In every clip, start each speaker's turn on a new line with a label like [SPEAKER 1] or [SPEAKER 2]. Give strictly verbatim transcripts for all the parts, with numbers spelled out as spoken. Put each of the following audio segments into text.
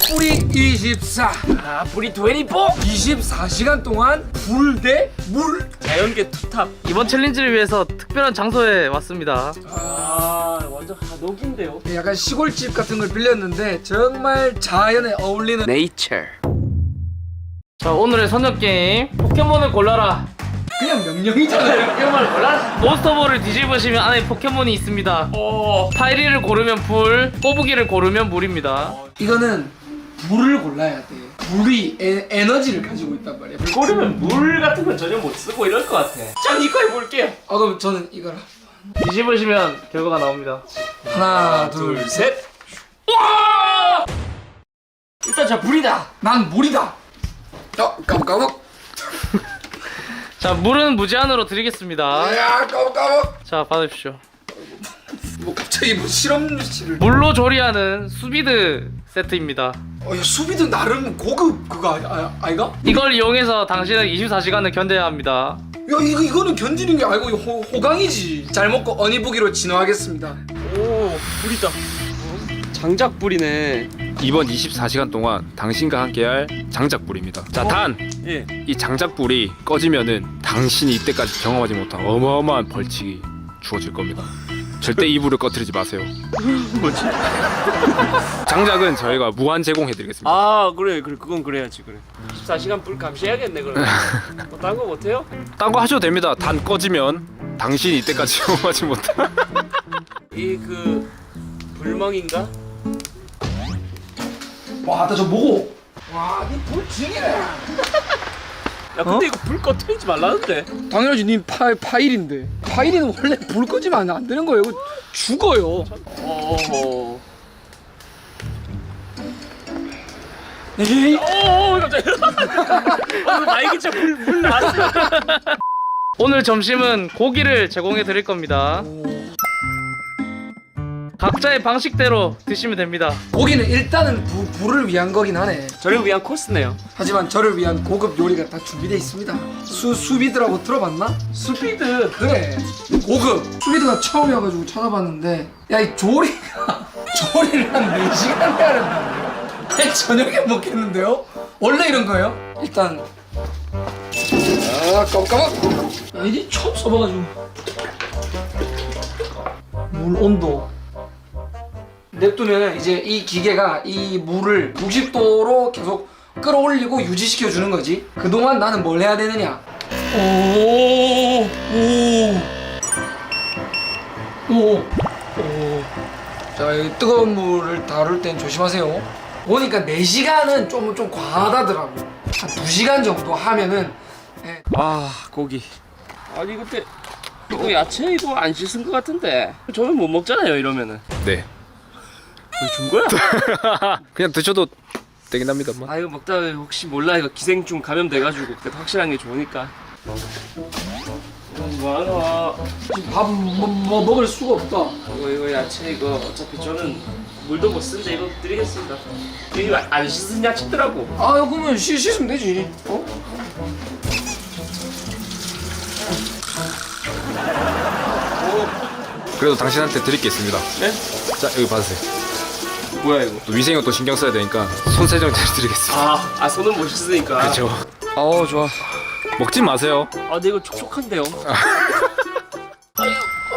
[SPEAKER 1] 뿌리 이십사.
[SPEAKER 2] 아 뿌리 이십사.
[SPEAKER 1] 이십사 시간 동안 불 대 물.
[SPEAKER 2] 자연계 투탑.
[SPEAKER 3] 이번 챌린지를 위해서 특별한 장소에 왔습니다.
[SPEAKER 2] 아 완전 한옥인데요.
[SPEAKER 1] 약간 시골집 같은 걸 빌렸는데 정말 자연에 어울리는
[SPEAKER 2] 네이처.
[SPEAKER 3] 자, 오늘의 선정 게임 포켓몬을 골라라.
[SPEAKER 1] 그냥 명령이잖아요.
[SPEAKER 3] 포켓몬을 골라라. 몬스터볼을 뒤집으시면 안에 포켓몬이 있습니다.
[SPEAKER 2] 오.
[SPEAKER 3] 파이리를 고르면 불, 꼬부기를 고르면 물입니다.
[SPEAKER 1] 이거는 물을 골라야 돼. 물이 에, 에너지를 가지고 있단 말이야.
[SPEAKER 2] 고르면 물 같은 건 전혀 못 쓰고 이럴 것 같아. 전 이거 해볼게요.
[SPEAKER 1] 아 그럼 저는 이거라.
[SPEAKER 3] 뒤집으시면 결과가 나옵니다.
[SPEAKER 1] 하나 둘 셋.
[SPEAKER 2] 셋. 와! 일단 자 불이다.
[SPEAKER 1] 난 물이다. 어 까먹까먹.
[SPEAKER 3] 자, 물은 무제한으로 드리겠습니다.
[SPEAKER 1] 야 까먹까먹.
[SPEAKER 3] 자, 받으십시오.
[SPEAKER 1] 뭐 갑자기 뭐 실험실을.
[SPEAKER 3] 물로 조리하는 수비드 세트입니다.
[SPEAKER 1] 어, 야, 수비도 나름 고급 그거 아니, 아, 아이가?
[SPEAKER 3] 이걸 이용해서 당신은 이십사 시간을 견뎌야 합니다.
[SPEAKER 1] 야 이거 이거는 견디는 게 아니고 이거 호, 호강이지. 잘 먹고 어니부기로 진화하겠습니다.
[SPEAKER 2] 오 불이다. 장작 불이네.
[SPEAKER 4] 이번 이십사 시간 동안 당신과 함께할 장작불입니다. 자, 단!
[SPEAKER 2] 예.
[SPEAKER 4] 이 장작불이 꺼지면은 당신이 이때까지 경험하지 못한 어마어마한 벌칙이 주어질 겁니다. 절대 이 불을 꺼뜨리지 마세요.
[SPEAKER 2] 뭐지?
[SPEAKER 4] 장작은 저희가 무한 제공해드리겠습니다.
[SPEAKER 2] 아 그래 그래 그건 그래야지 그래. 이십사 시간 불 감시해야겠네 그러면. 뭐 딴 거 못해요?
[SPEAKER 4] 딴 거 하셔도 됩니다. 단 꺼지면 당신이 이때까지 경험하지 못한
[SPEAKER 2] 이 그 불멍인가?
[SPEAKER 1] 와 나 저 보고. 와니불 징이네.
[SPEAKER 2] 야 근데 이거 불 꺼뜨리지 말라는데.
[SPEAKER 1] 당연하지. 니 파, 파일인데. 파일이는 원래 불 꺼지면 안 되는 거예요. 이거 죽어요.
[SPEAKER 2] 어허.
[SPEAKER 1] 에이.
[SPEAKER 2] 오 갑자기. 아 날개차 불불 나왔어.
[SPEAKER 3] 오늘 점심은 고기를 제공해 드릴 겁니다. 각자의 방식대로 드시면 됩니다.
[SPEAKER 1] 고기는 일단은 부, 불을 위한 거긴 하네.
[SPEAKER 2] 저를 위한 코스네요.
[SPEAKER 1] 하지만 저를 위한 고급 요리가 다 준비되어 있습니다. 수, 수비드라고 들어봤나?
[SPEAKER 2] 스피드.
[SPEAKER 1] 그래 고급 수비드가 처음이어가지고 찾아봤는데 야 이 조리가 조리를 한 네 시간 해야 된다고요? 저녁에 먹겠는데요? 원래 이런 거예요? 일단 아 깜깜한 야 이게 처음 써봐가지고 물 온도 냅두면 이제 이 기계가 이 물을 육십 도로 계속 끌어올리고 유지시켜 주는 거지. 그동안 나는 뭘 해야 되느냐? 오, 오, 오, 오. 자, 이 뜨거운 물을 다룰 땐 조심하세요. 보니까 네 시간은 좀, 좀 과하다더라고. 한 두 시간 정도 하면은. 예.
[SPEAKER 2] 아 고기. 아니 근데 이거 야채 이거 안 씻은 것 같은데. 저는 못 먹잖아요 이러면은.
[SPEAKER 4] 네.
[SPEAKER 2] 준 거야?
[SPEAKER 4] 그냥 드셔도 되긴 합니다만.
[SPEAKER 2] 아 이거 먹다가 혹시 몰라 이거 기생충 감염돼가지고 그때 확실한 게 좋으니까. 뭐하나?
[SPEAKER 1] 지금 밥 뭐, 뭐 먹을 수가 없다.
[SPEAKER 2] 이거 이거 야채 이거 어차피 저는 물도 못 쓰는데 이거 드리겠습니다. 이거 안 씻은 야채더라고.
[SPEAKER 1] 아, 그러면 씻, 씻으면 되지. 어?
[SPEAKER 4] 그래도 당신한테 드릴 게 있습니다.
[SPEAKER 2] 네?
[SPEAKER 4] 자, 여기 받으세요.
[SPEAKER 2] 뭐야 이거?
[SPEAKER 4] 또 위생은 또 신경 써야 되니까 손 세정제 드리겠습니다.
[SPEAKER 2] 아, 아 손은 못 씻으니까.
[SPEAKER 4] 그렇죠.
[SPEAKER 2] 어 좋아.
[SPEAKER 4] 먹지 마세요.
[SPEAKER 2] 아 근데 이거 촉촉한데요? 아유,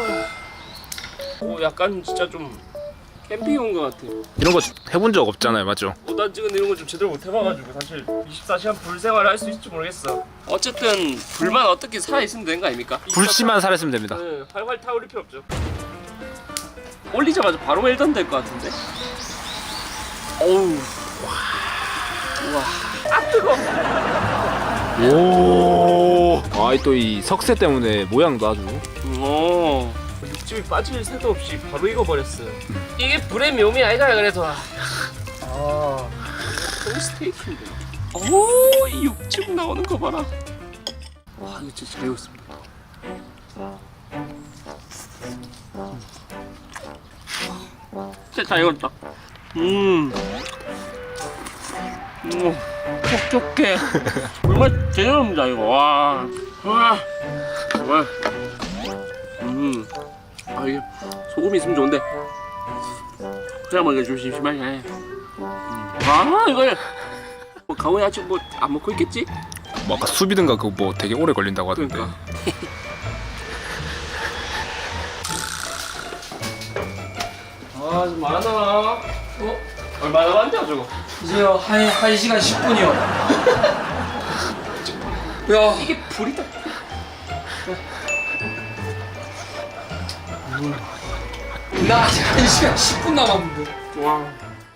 [SPEAKER 2] 어, 약간 진짜 좀 캠핑 온 것 같아.
[SPEAKER 4] 이런 거 해본 적 없잖아요, 맞죠?
[SPEAKER 2] 오단 찍은 이런 거 좀 제대로 못 해봐가지고 사실 이십사 시간 불 생활을 할 수 있을지 모르겠어. 어쨌든 불만 어떻게 살아 있으면 되는 거 아닙니까?
[SPEAKER 4] 불씨만 살았으면 됩니다.
[SPEAKER 2] 네, 활활 타오를 필요 없죠. 올리자마자 바로 웰던 될 것 같은데. 어우, 와, 아 뜨거.
[SPEAKER 4] 오. 아, 또 이 석쇠 때문에 모양도 아주.
[SPEAKER 2] 오, 육즙이 빠질 새도 없이 바로 익어버렸어요. 이게 불의 묘미 아이가 그래서. 아, 또 스테이크인데. 오, 이 육즙 나오는 거 봐라. 와, 이거 진짜 잘 익었습니다. 진짜 잘 익었다. 음, 음, 촉촉해. 정말 제대로입니다 이거. 와, 와, 와. 음, 아 이게 소금이 있으면 좋은데 그냥 먹기가 좀 심심하긴 해. 음. 아 이걸 뭐 강훈이 아직 뭐 안 먹고 있겠지?
[SPEAKER 4] 뭐 아까 수비든가 그거 뭐 되게 오래 걸린다고 하던데.
[SPEAKER 2] 그러니까. 아좀 많아. 어? 얼마나 남았냐 저거?
[SPEAKER 1] 이제요 한, 한 시간 십 분이요. 야
[SPEAKER 2] 이게 불이다.
[SPEAKER 1] 나 아직 한 시간 십 분 남았는데.
[SPEAKER 2] 와.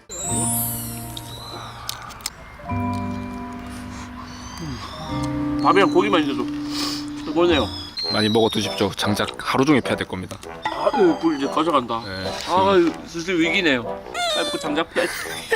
[SPEAKER 2] 밥이랑 고기만 있어도 최고네요.
[SPEAKER 4] 많이 먹어 두십시오. 장작 하루 종일 패야 될 겁니다.
[SPEAKER 2] 아유 불 이제 가져간다.
[SPEAKER 4] 네.
[SPEAKER 2] 아유 슬슬 위기네요. 빨리 먹고 장작 패야지.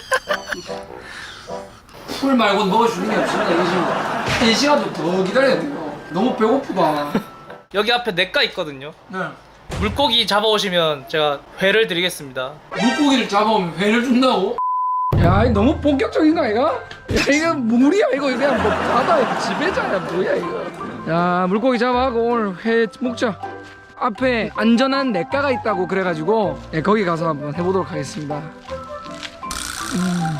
[SPEAKER 1] 풀 말고 먹어주는 게 없습니다. 이거 지금 한 시간도 더 기다려야 돼요. 너무 배고프다.
[SPEAKER 3] 여기 앞에 냇가 있거든요.
[SPEAKER 1] 네.
[SPEAKER 3] 물고기 잡아오시면 제가 회를 드리겠습니다.
[SPEAKER 1] 물고기를 잡아오면 회를 준다고? 야, 이거 너무 본격적인 거 아이가? 야, 이거 물이야 이거 그냥 뭐 바다의 지배자야 뭐야 이거? 야, 물고기 잡아가고 오늘 회 먹자. 앞에 안전한 냇가가 있다고 그래가지고 네, 거기 가서 한번 해보도록 하겠습니다. 음.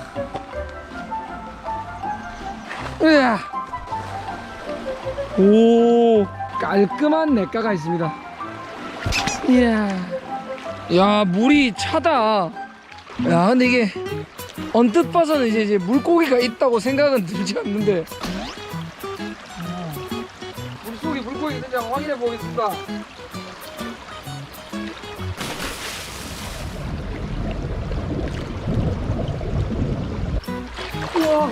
[SPEAKER 1] 으아. 오, 깔끔한 냇가가 있습니다. 이야, 야 물이 차다. 야 근데 이게 언뜻 봐서는 이제, 이제 물고기가 있다고 생각은 들지 않는데 물속에 물고기 있는지 한번 확인해 보겠습니다. 우와.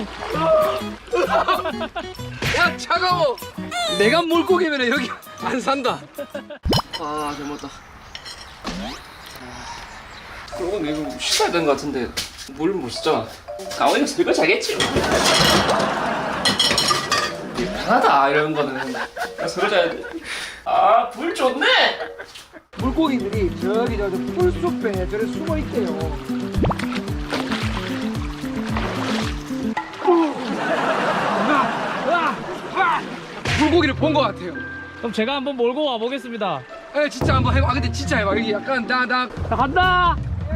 [SPEAKER 1] 야 차가워. 내가 물고기면 여기 안 산다.
[SPEAKER 2] 아 잘못다. 그러고 이거 씻어야 되는 것 같은데 물 못 쓰잖아. 강원이가 설거 잘겠지. 편하다 이런 거는. 설거 잘. 아불 좋네.
[SPEAKER 1] 물고기들이 저기 저 풀숲에 저래 숨어 있대요. 물고기를 본 것 같아요.
[SPEAKER 3] 그럼 제가 한번 몰고 와 보겠습니다.
[SPEAKER 1] 에 진짜 한번 해봐. 아, 근데 진짜 해봐. 여기 약간 나 나.
[SPEAKER 3] 자, 간다.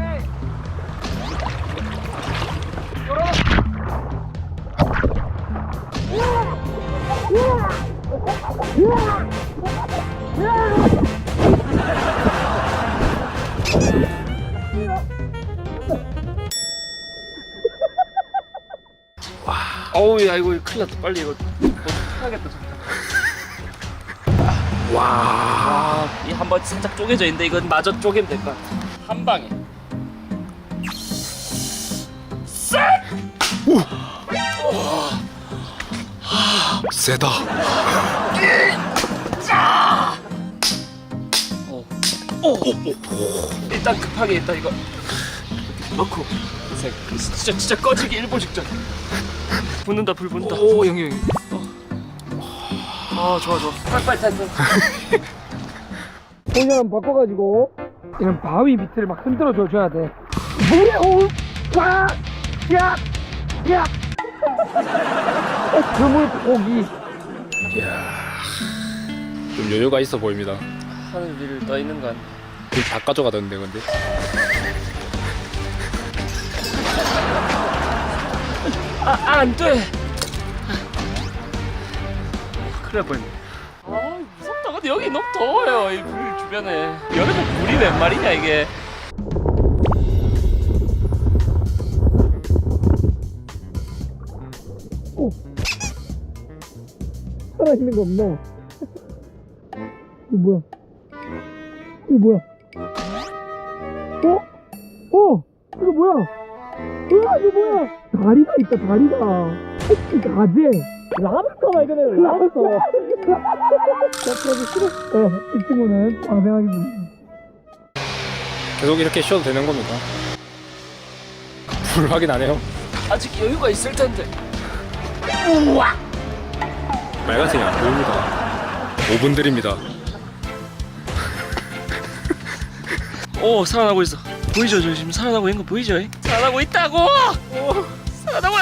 [SPEAKER 2] 어우 야 이거 큰일 났다. 빨리 이거 어떡하겠다. 와. 이 한 번 살짝 쪼개져 있는데 이건 마저 쪼개면 될 것 같아. 한 방에.
[SPEAKER 4] 세다.
[SPEAKER 2] 어. 오. 일단 급하게 일단 이거 넣고 진짜 진짜 꺼지기 일보 직전. 붙는다 불 붙는다.
[SPEAKER 1] 오 형님.
[SPEAKER 2] 아 좋아 좋아. 빨리 빨리 빨리.
[SPEAKER 1] 포지션 바꿔가지고 이런 바위 밑을 막 흔들어 줘야 돼. 물에 오, 와, 야, 야. 그물 고기.
[SPEAKER 4] 좀 여유가 있어 보입니다.
[SPEAKER 2] 하늘 위를 떠 있는 건.
[SPEAKER 4] 그다 가져가던데 근데.
[SPEAKER 2] 아 안 돼. 큰일 날 뻔했네. 아 무섭다. 근데 여기 너무 더워요. 이 불 주변에. 여름에 물이 웬 말이냐 이게.
[SPEAKER 1] 살아있는 거 없나? 이거 뭐야? 이거 뭐야? 어? 어? 이거 뭐야? 으아 이거 뭐야? 다리가 있다 다리가. 혹시 가재? 라브스터가 이거는 라브스터. 자 그래도 싫어. 어, 이 친구는 방생하겠습니다.
[SPEAKER 4] 계속 이렇게 쉬어도 되는 겁니다. 불 확인 안 해요?
[SPEAKER 2] 아직 여유가 있을 텐데.
[SPEAKER 4] 빨간색이 안 보입니다. 오 분 드립니다.
[SPEAKER 2] 오 살아나고 있어. 보이죠? 저 지금 살아나고 있는 거 보이죠? 살아나고 있다고. 오, 살아나고.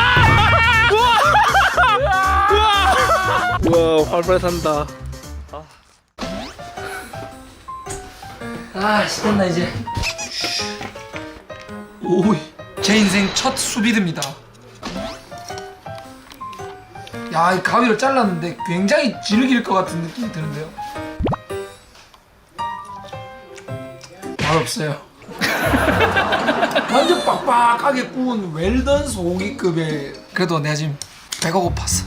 [SPEAKER 3] 우와 활발한다.
[SPEAKER 1] 아, 됐나 이제. 오이. 제 인생 첫 수비드입니다. 야, 이 가위로 잘랐는데 굉장히 질길 것 같은 느낌이 드는데요. 맛없어요. 완전 빡빡하게 구운 웰던 소고기급의. 그래도 내가 지금 배가 고팠어.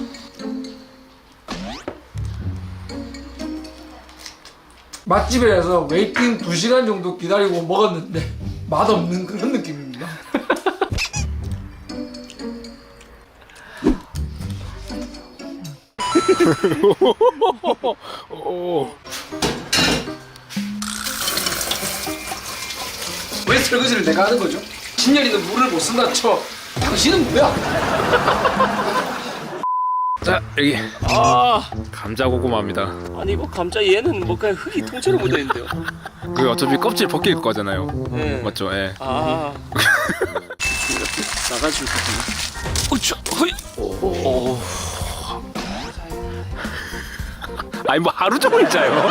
[SPEAKER 1] 맛집에서 웨이팅 두 시간 정도 기다리고 먹었는데 맛없는 그런 느낌입니다.
[SPEAKER 4] 오.
[SPEAKER 1] 왜 설거지를 내가 하는 거죠? 신년이는 물을 못 쓴다 쳐. 당신은 뭐야?
[SPEAKER 4] 자 여기
[SPEAKER 2] 아
[SPEAKER 4] 감자 고구마입니다.
[SPEAKER 2] 아니 이거 감자 얘는 뭐 그냥 흙이 통째로 묻어있는데요.
[SPEAKER 4] 그 어차피 껍질 벗길 거잖아요.
[SPEAKER 2] 네.
[SPEAKER 4] 맞죠? 예.
[SPEAKER 2] 아 이렇게 나가지고 어쭈 허이 오
[SPEAKER 4] 아니 뭐 하루 종일 자요.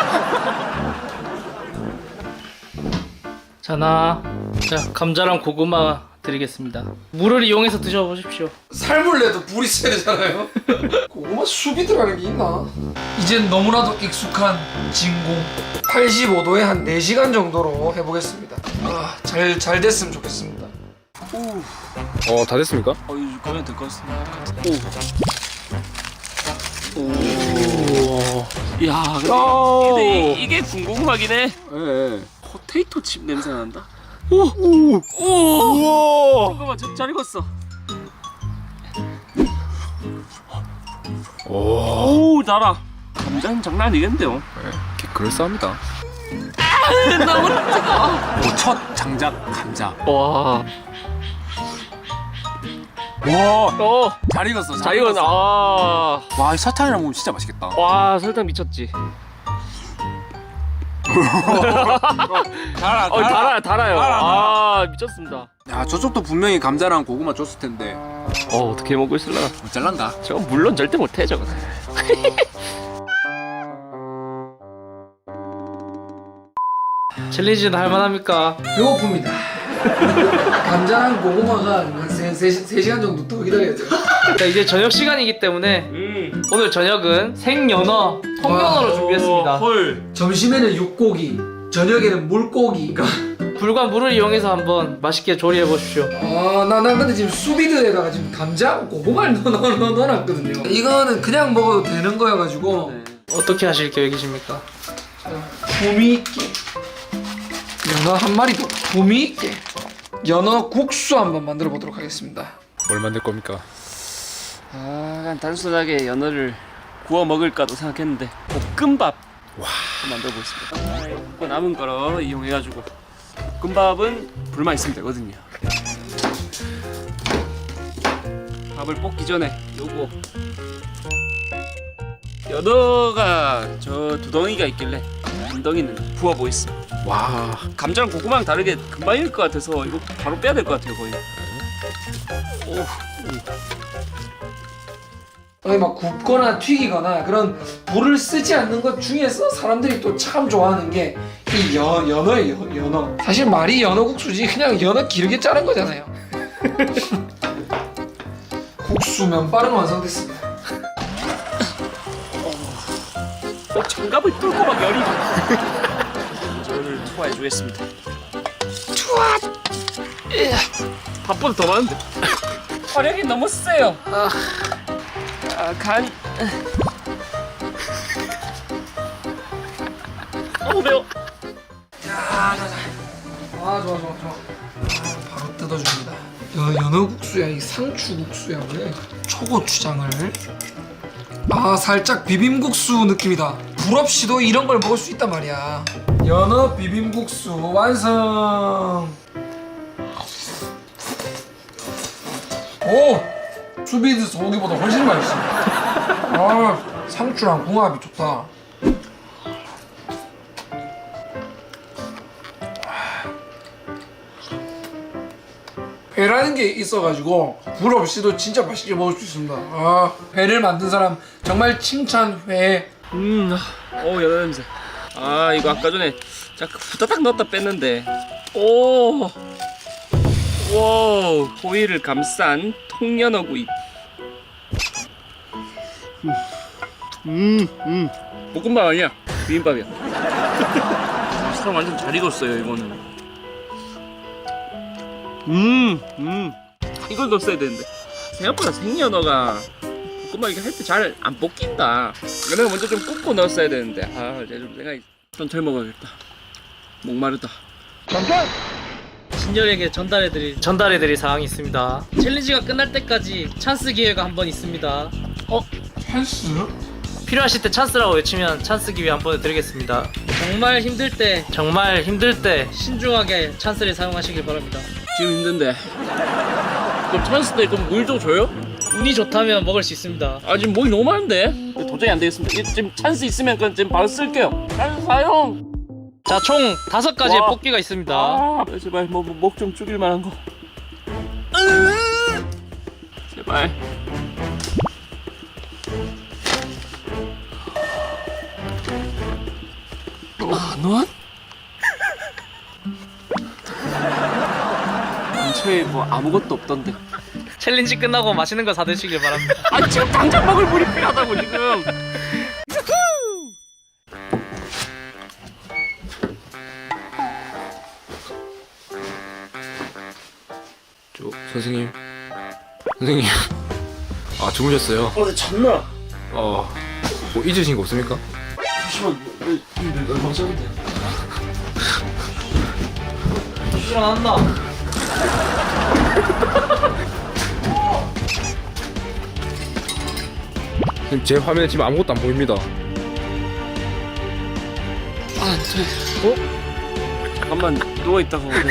[SPEAKER 3] 자나 자 감자랑 고구마 드리겠습니다. 물을 이용해서 드셔보십시오.
[SPEAKER 1] 삶을 내도 불이 세야 되잖아요. 고구마 수비드라는 게 있나? 이젠 너무나도 익숙한 진공. 팔십오 도에 한 네 시간 정도로 해보겠습니다. 아, 잘, 잘 됐으면 좋겠습니다.
[SPEAKER 4] 어 다 됐습니까?
[SPEAKER 2] 어 이거 가면 될 것 같습니다. 오. 오. 야, 근데, 근데 이- 이게 군고구마긴 해.
[SPEAKER 4] 예.
[SPEAKER 2] 포테이토 칩 냄새 난다. 오, 오, 오. 잠깐만, 저, 잘 익었어.
[SPEAKER 4] 오.
[SPEAKER 2] 오, 달아. 감자는 장난 아니겠는데요?
[SPEAKER 4] 예. 그럴싸합니다.
[SPEAKER 2] 너무 뜨거워.
[SPEAKER 5] 첫 장작 감자.
[SPEAKER 2] 와,
[SPEAKER 5] 와,
[SPEAKER 2] 어,
[SPEAKER 5] 잘 익었어.
[SPEAKER 2] 잘 익었네. 아,
[SPEAKER 5] 와, 이 설탕이랑 먹으면 진짜 맛있겠다.
[SPEAKER 2] 와, 설탕 미쳤지.
[SPEAKER 5] 달아,
[SPEAKER 2] 어, 달아요, 달아요.
[SPEAKER 5] 달아.
[SPEAKER 2] 아, 미쳤습니다.
[SPEAKER 5] 야, 저쪽도 분명히 감자랑 고구마 줬을 텐데.
[SPEAKER 2] 어, 어떻게 먹고 있을라나?
[SPEAKER 5] 못 잘란다.
[SPEAKER 2] 저 물론 절대 못해 저거.
[SPEAKER 3] 챌린지는 할만합니까?
[SPEAKER 1] 배고픕니다. 감자랑 고구마가 한 세, 세, 세 시간 정도 더 기다려야 돼요.
[SPEAKER 3] 자, 이제 저녁 시간이기 때문에
[SPEAKER 2] 음.
[SPEAKER 3] 오늘 저녁은 생연어, 통연어로 준비했습니다.
[SPEAKER 2] 헐.
[SPEAKER 1] 점심에는 육고기, 저녁에는 물고기.
[SPEAKER 3] 불과 물을 이용해서 한번 맛있게 조리해 보십시오.
[SPEAKER 1] 아, 나, 나 근데 지금 수비드에다가 지금 감자, 고구마를 넣어, 넣어, 넣어, 넣어놨거든요. 이거는 그냥 먹어도 되는 거여가지고
[SPEAKER 2] 네.
[SPEAKER 3] 어떻게 하실 계획이십니까?
[SPEAKER 1] 품위 있게 연어 한 마리 더 품위 있게 연어 국수 한번 만들어 보도록 하겠습니다.
[SPEAKER 4] 뭘 만들 겁니까?
[SPEAKER 2] 아, 그냥 단순하게 연어를 구워 먹을까도 생각했는데 볶음밥
[SPEAKER 4] 와.
[SPEAKER 2] 만들어 보겠습니다. 먹고 남은 거로 이용해가지고 볶음밥은 불만 있으면 되거든요. 밥을 볶기 전에 요거 연어가 저 두 덩이가 있길래 한 덩이는 부어 보겠습니다.
[SPEAKER 4] 와.
[SPEAKER 2] 감자랑 고구마랑 다르게 금방 익을 것 같아서 이거 바로 빼야 될 것 같아요 거의. 오.
[SPEAKER 1] 아니 막 굽거나 튀기거나 그런 불을 쓰지 않는 것 중에서 사람들이 또 참 좋아하는 게 이 연어예요. 연어. 사실 말이 연어 국수지 그냥 연어 길게 자른 거잖아요. 국수 면발은 완성됐습니다.
[SPEAKER 2] 어, 장갑을 뚫고 막 열이 저를 투하해 주겠습니다. 투하. 밥보다 더 많은데. 화력이 너무 세요. 아, 아 간. 너무 매워.
[SPEAKER 1] 야, 자, 자. 아 좋아 좋아 좋아. 아, 바로 뜯어줍니다. 야, 연어 국수야 이 상추 국수야 왜? 초고추장을. 아 살짝 비빔국수 느낌이다. 불 없이도 이런 걸 먹을 수 있단 말이야. 연어 비빔국수 완성. 오! 수비드 소고기보다 훨씬 맛있어. 아 상추랑 궁합이 좋다. 회라는 게 있어가지고 불 없이도 진짜 맛있게 먹을 수 있습니다. 아 회를 만든 사람 정말 칭찬 회.
[SPEAKER 2] 음, 어 연어 냄새. 아 이거 아까 전에 자 후다닥 넣었다 뺐는데. 오. 와우, 호일을 감싼 통연어구이. 음, 음. 볶음밥 아니야. 비빔밥이야. 사람 완전 잘 익었어요, 이거는. 음, 음. 이걸 넣었어야 되는데. 생각보다 생연어가 볶음밥 이렇게 할 때 잘 안 볶인다. 내가 먼저 좀 굽고 넣었어야 되는데. 아, 이제 좀 생각이 천천히 먹어야겠다. 목마르다.
[SPEAKER 3] 진열에게 전달해드릴 전달해드릴 사항이 있습니다. 챌린지가 끝날 때까지 찬스 기회가 한 번 있습니다.
[SPEAKER 1] 어? 찬스?
[SPEAKER 3] 필요하실 때 찬스라고 외치면 찬스 기회 한 번 드리겠습니다. 정말 힘들 때 정말 힘들 때 신중하게 찬스를 사용하시길 바랍니다.
[SPEAKER 2] 지금 힘든데. 그럼 찬스 때 그럼 물 좀 줘요?
[SPEAKER 3] 운이 좋다면 먹을 수 있습니다.
[SPEAKER 2] 아 지금 목이 너무 많은데 도저히 안 되겠습니다. 이- 지금 찬스 있으면 그건 지금 바로 쓸게요. 찬스 사용.
[SPEAKER 3] 자, 총 다섯 가지의
[SPEAKER 2] 와.
[SPEAKER 3] 뽑기가 있습니다.
[SPEAKER 2] 아 제발 뭐 목 좀 죽일 만한 거. 으, 제발. 아 넌? 근처에 뭐 아무것도 없던데.
[SPEAKER 3] 챌린지 끝나고 맛있는 거 사드시길 바랍니다.
[SPEAKER 2] 아 지금 당장 먹을 물이 필요하다고 지금.
[SPEAKER 4] 저 선생님 선생님 아 주무셨어요?
[SPEAKER 2] 어나 잤나?
[SPEAKER 4] 어 뭐 잊으신 거 없습니까?
[SPEAKER 2] 잠시만 내 얼마 전인데.
[SPEAKER 3] 일어난다.
[SPEAKER 4] 선생님 제 화면에 지금 아무것도 안 보입니다.
[SPEAKER 2] 아 안돼. 어? 잠깐만 누워 있다가 오늘.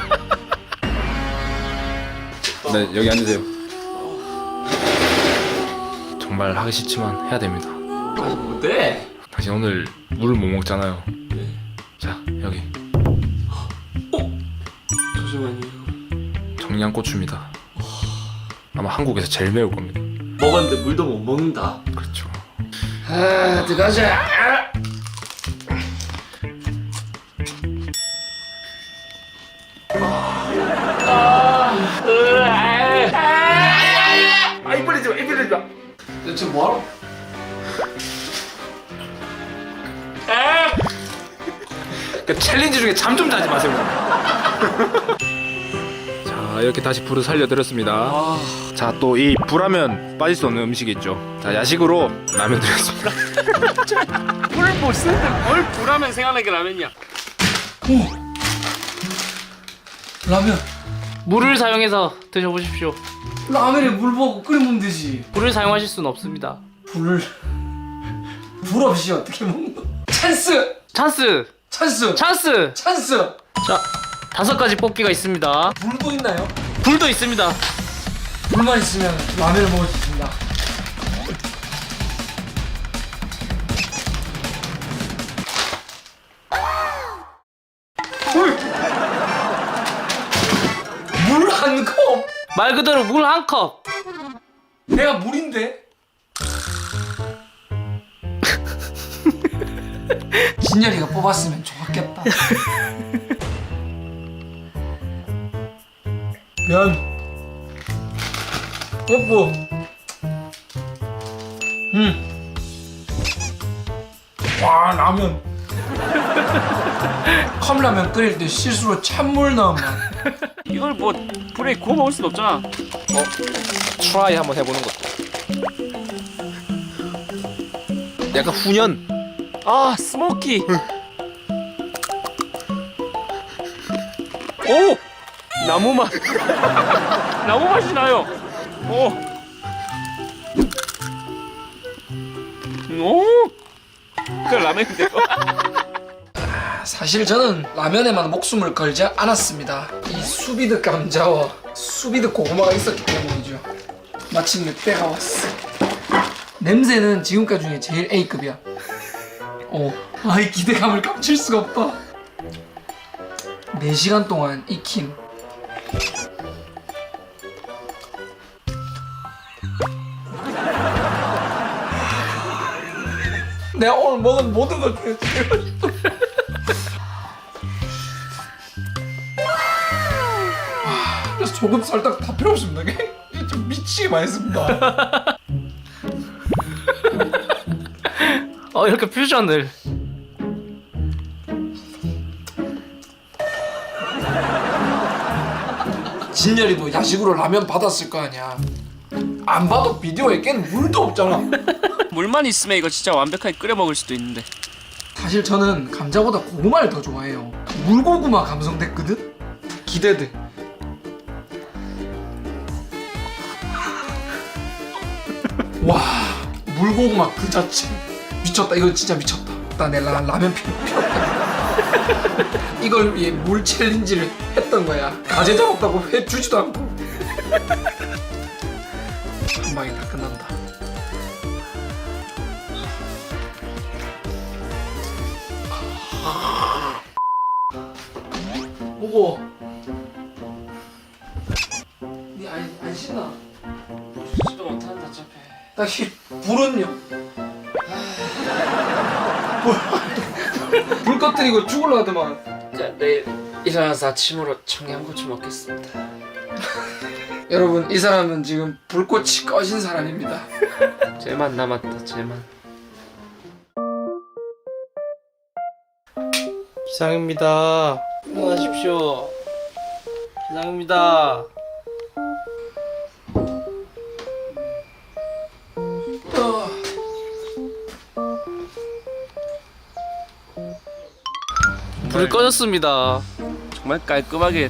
[SPEAKER 4] 네 여기 앉으세요. 정말 하기 싫지만 해야 됩니다.
[SPEAKER 2] 아 뭔데?
[SPEAKER 4] 당신 오늘 물을 못 먹잖아요. 자 여기
[SPEAKER 2] 잠시만요.
[SPEAKER 4] 청양고추입니다. 아마 한국에서 제일 매울 겁니다.
[SPEAKER 2] 먹었는데 물도 못 먹는다.
[SPEAKER 4] 그렇죠.
[SPEAKER 1] 아, 들어가자. 아, 이 벌리지 마, 이 벌리지 마. 너 지금 뭐하러?
[SPEAKER 4] 그 챌린지 중에 잠 좀 자지 마세요. 자 이렇게 다시 불을 살려드렸습니다. 자 또 이 불하면 빠질 수 없는 음식이 있죠. 자 야식으로 라면 드렸습니다.
[SPEAKER 2] 물못 쓰는데 뭘 불하면 생각나게 라면이야.
[SPEAKER 1] 라면.
[SPEAKER 3] 물을 사용해서 드셔보십시오.
[SPEAKER 1] 라면에 물 먹고 끓이면 되지.
[SPEAKER 3] 불을 사용하실 수는 없습니다.
[SPEAKER 1] 불을 불 없이 어떻게 먹노? 찬스,
[SPEAKER 3] 찬스!
[SPEAKER 1] 찬스,
[SPEAKER 3] 찬스!
[SPEAKER 1] 찬스.
[SPEAKER 3] 자, 다섯 가지 뽑기가 있습니다.
[SPEAKER 1] 불도 있나요?
[SPEAKER 3] 불도 있습니다.
[SPEAKER 1] 불만 있으면 라면을 먹을 수 있습니다. 물 한 컵.
[SPEAKER 3] 말 그대로 물 한 컵.
[SPEAKER 1] 내가 물인데. 진열이가 뽑았으면 좋았겠다. 면. 뽀뽀. 음. 와, 라면. 컵라면 끓일 때 실수로 찬물 넣으면
[SPEAKER 2] 이걸 뭐 불에 구워 먹을 순 없잖아.
[SPEAKER 4] 트라이 한번 해보는 것도. 약간 훈연.
[SPEAKER 2] 아 스모키. 오 나무 맛. 나무 맛이 나요. 오. 오. 그 라면인데요.
[SPEAKER 1] 사실 저는 라면에만 목숨을 걸지 않았습니다. 이 수비드 감자와 수비드 고구마가 있었기 때문이죠. 마침 내 때가 왔어. 냄새는 지금까지 중에 제일 A급이야. 어, 아, 이 기대감을 감출 수가 없다. 네 시간 동안 익힌 내가 오늘 먹은 모든 것 중에 제일 맛있어. 와, 그래서 소금 설탕 다 필요 없습니다. 이게 좀 미치게 맛있습니다.
[SPEAKER 3] 어 이렇게 퓨전을.
[SPEAKER 1] 진열이도 야식으로 라면 받았을 거 아니야. 안 봐도 비디오에 깬 물도 없잖아.
[SPEAKER 2] 물만 있으면 이거 진짜 완벽하게 끓여 먹을 수도 있는데.
[SPEAKER 1] 사실 저는 감자보다 고구마를 더 좋아해요. 물고구마 감성 됐거든? 기대돼. 와, 물고구마 그 자체 미쳤다. 이거 진짜 미쳤다. 나 내 라면 필요 필요 없다. 이걸 위해 물 챌린지를 했던 거야. 가재 잡았다고 회 주지도 않고. 한 방에 다 끝난다. 뭐고? 니안 안 신나?
[SPEAKER 2] 시도 못한다 어차피.
[SPEAKER 1] 딱히 불은요. 불, 불 꺼뜨리고 죽을라 하더만.
[SPEAKER 2] 자 내일 일어나서 아침으로 청양고추 먹겠습니다.
[SPEAKER 1] 여러분 이 사람은 지금 불꽃이 꺼진 사람입니다.
[SPEAKER 2] 쟤만 남았다 쟤만.
[SPEAKER 3] 기상입니다. 일어나십시오. 기상입니다.
[SPEAKER 1] 어,
[SPEAKER 3] 불이 꺼졌습니다.
[SPEAKER 2] 정말 깔끔하게.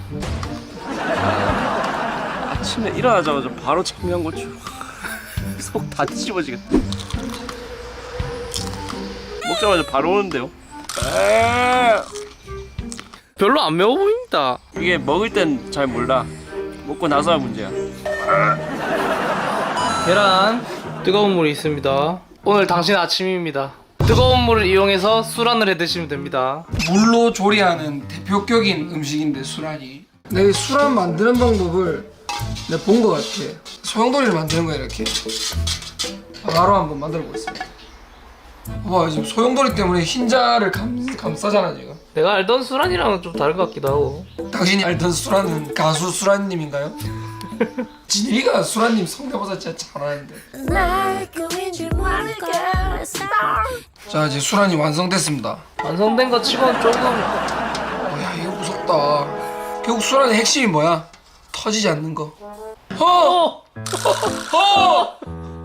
[SPEAKER 2] 아침에 일어나자마자 바로 청양고추. 속 다 뒤집어지겠다. 먹자마자 바로 오는데요. 아,
[SPEAKER 3] 별로 안 매워 보입니다.
[SPEAKER 2] 이게 먹을 땐 잘 몰라. 먹고 나서야 문제야.
[SPEAKER 3] 계란, 뜨거운 물이 있습니다. 오늘 당신 아침입니다. 뜨거운 물을 이용해서 수란을 해 드시면 됩니다.
[SPEAKER 1] 물로 조리하는 대표격인 음식인데 수란이. 내가 이 수란 만드는 방법을 내가 본 것 같아. 소용돌이를 만드는 거야 이렇게. 바로 한번 만들어 보겠습니다. 봐봐 지금 소용돌이 때문에 흰자를 감, 감싸잖아 지금.
[SPEAKER 3] 내가 알던 수란이랑은 좀 다른 것 같기도 하고.
[SPEAKER 1] 당신이 알던 수란은 가수 수란님인가요? 진이가 수란님 성대모사 진짜 잘하는데. 자 이제 수란이 완성됐습니다.
[SPEAKER 3] 완성된 것 치고는 조금
[SPEAKER 1] 어, 야 이거 무섭다. 결국 수란의 핵심이 뭐야? 터지지 않는 거. 허! 허!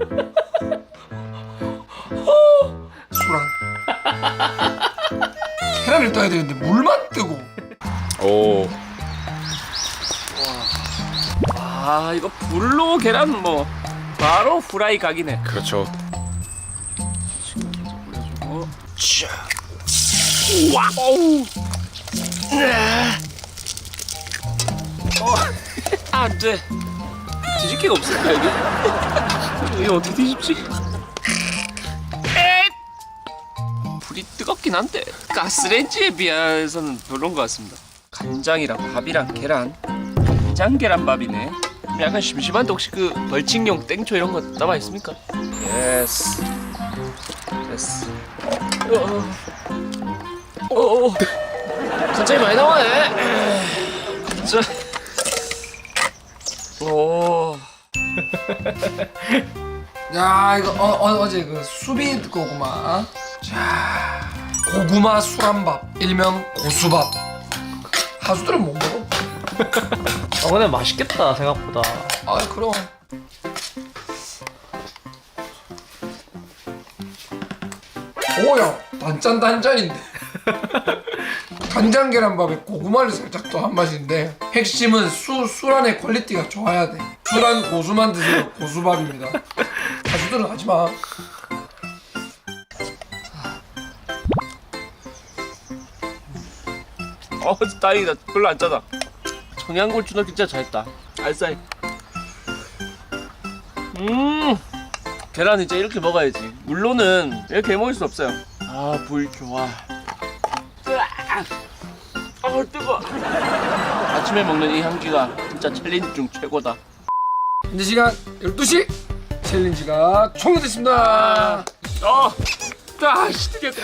[SPEAKER 1] 수란. 계란을 떠야 되는데 물만 뜨고.
[SPEAKER 4] 오.
[SPEAKER 2] 아 이거 불로 계란 뭐 바로 후라이 각이네.
[SPEAKER 4] 그렇죠.
[SPEAKER 2] 어, 와, 어우, 어, 안 돼. 뒤집기가 없을까 여기? 이거 어떻게 뒤집지? 에잇! 불이 뜨겁긴 한데 가스레인지에 비해서는 별론 것 같습니다. 간장이랑 밥이랑 계란, 간장 계란밥이네. 약간 심심한데 혹시 그 벌칙용 땡초 이런 거 남아 있습니까? 예스. 됐어. 어, 어, 어. 간장이 많이 나와네. 자, 오.
[SPEAKER 1] 야 이거 어, 어, 어제 그 수비 고구마. 자 고구마 수란밥 일명 고수밥. 하수들은 못 먹어.
[SPEAKER 3] 어 근데 맛있겠다 생각보다.
[SPEAKER 1] 아 그럼. 오야 단짠 단짠인데. 간장 계란밥에 고구마를 살짝 더 한 맛인데 핵심은 수 수란의 퀄리티가 좋아야 돼. 수란 고수만 드세요. 고수밥입니다. 가수들은 하지 마.
[SPEAKER 2] 어, 다행이다. 별로 안 짜다. 청양고추 넣기 진짜 잘했다. 알싸해. 음, 계란 이제 이렇게 먹어야지. 물로는 이렇게 먹을 수 없어요. 아, 불 좋아. 아, 뜨거. 아침에 먹는 이 향기가 진짜 챌린지 중 최고다.
[SPEAKER 1] 현재 시간 열두 시. 챌린지가 종료됐습니다.
[SPEAKER 2] 어, 아, 시트겠다.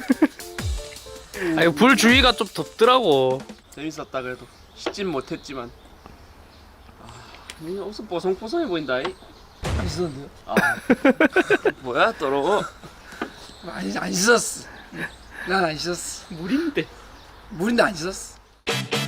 [SPEAKER 3] 아 이거 불 주위가 좀 덥더라고.
[SPEAKER 2] 재밌었다 그래도. 씻진 못했지만. 이 옷은 뽀송뽀송해 보인다. 이.
[SPEAKER 1] 안 씻었는데요?
[SPEAKER 2] 아 뭐야 더러워.
[SPEAKER 1] 안, 안 씻었어. 난 안 씻었어.
[SPEAKER 2] 물인데.
[SPEAKER 1] 물인데 안 씻었어.